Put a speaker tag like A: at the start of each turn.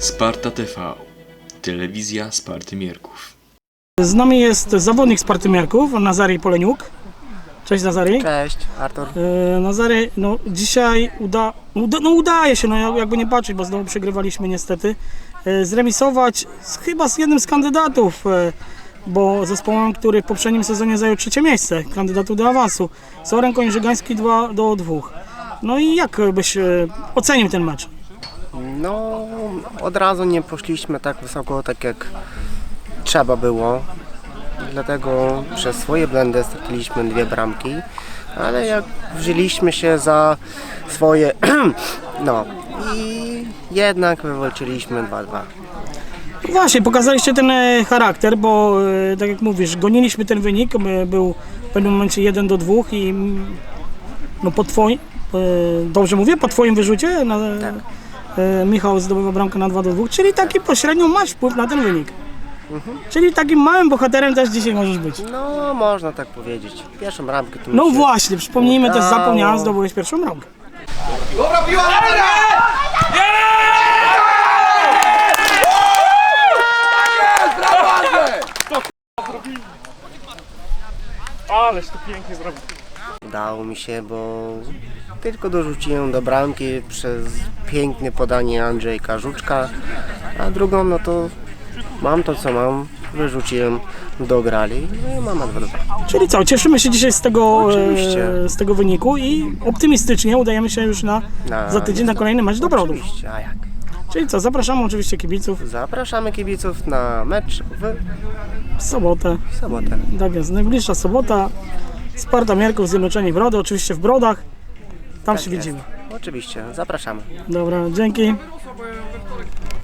A: Sparta TV, telewizja Sparty Mierków.
B: Z nami jest zawodnik Sparty Mierków, Nazary Poleniuk. Cześć Nazary.
C: Cześć, Artur.
B: Nazary, no dzisiaj udaje się, no jakby nie patrzeć, bo znowu przegrywaliśmy niestety, zremisować chyba z jednym z kandydatów, bo zespołem, który w poprzednim sezonie zajął 3. miejsce, kandydatu do awansu. Soren Koń-Żygański 2-2. No i jak byś ocenił ten mecz?
C: No, od razu nie poszliśmy tak wysoko, tak jak trzeba było. Dlatego przez swoje błędy straciliśmy 2 bramki. Ale jak wzięliśmy się za swoje, no i jednak wywalczyliśmy 2-2.
B: Właśnie, pokazaliście ten charakter, bo tak jak mówisz, goniliśmy ten wynik, był w pewnym momencie 1-2 i no po twoim, dobrze mówię, po twoim wyrzucie
C: Tak.
B: Michał zdobywa bramkę na 2-2, czyli taki pośrednio masz wpływ na ten wynik. Czyli takim małym bohaterem też dzisiaj możesz być.
C: No, można tak powiedzieć. Pierwszą bramkę tu
B: No
C: się
B: właśnie, przypomnijmy też,
C: udało.
B: zapomniałem, zdobyłeś pierwszą bramkę.
D: Dobra piła!
B: Ależ to pięknie zrobił.
C: Udało mi się, bo tylko dorzuciłem do bramki przez piękne podanie Andrzejka Żuczka, a drugą no to mam to co mam, wyrzuciłem, dograli, no i mama 2-2.
B: Czyli co, cieszymy się dzisiaj
C: Oczywiście.
B: z tego wyniku i optymistycznie udajemy się już za tydzień na kolejny mecz do Brodów.
C: Oczywiście, a jak?
B: Czyli co, zapraszamy oczywiście kibiców
C: Zapraszamy kibiców na mecz
B: w sobotę.
C: w sobotę.
B: Tak jest, najbliższa sobota. Sparta Mierków, Zjednoczeni Brody, oczywiście w Brodach. Tam
C: Tak
B: się
C: jest.
B: widzimy.
C: Oczywiście, zapraszamy.
B: Dobra, dzięki.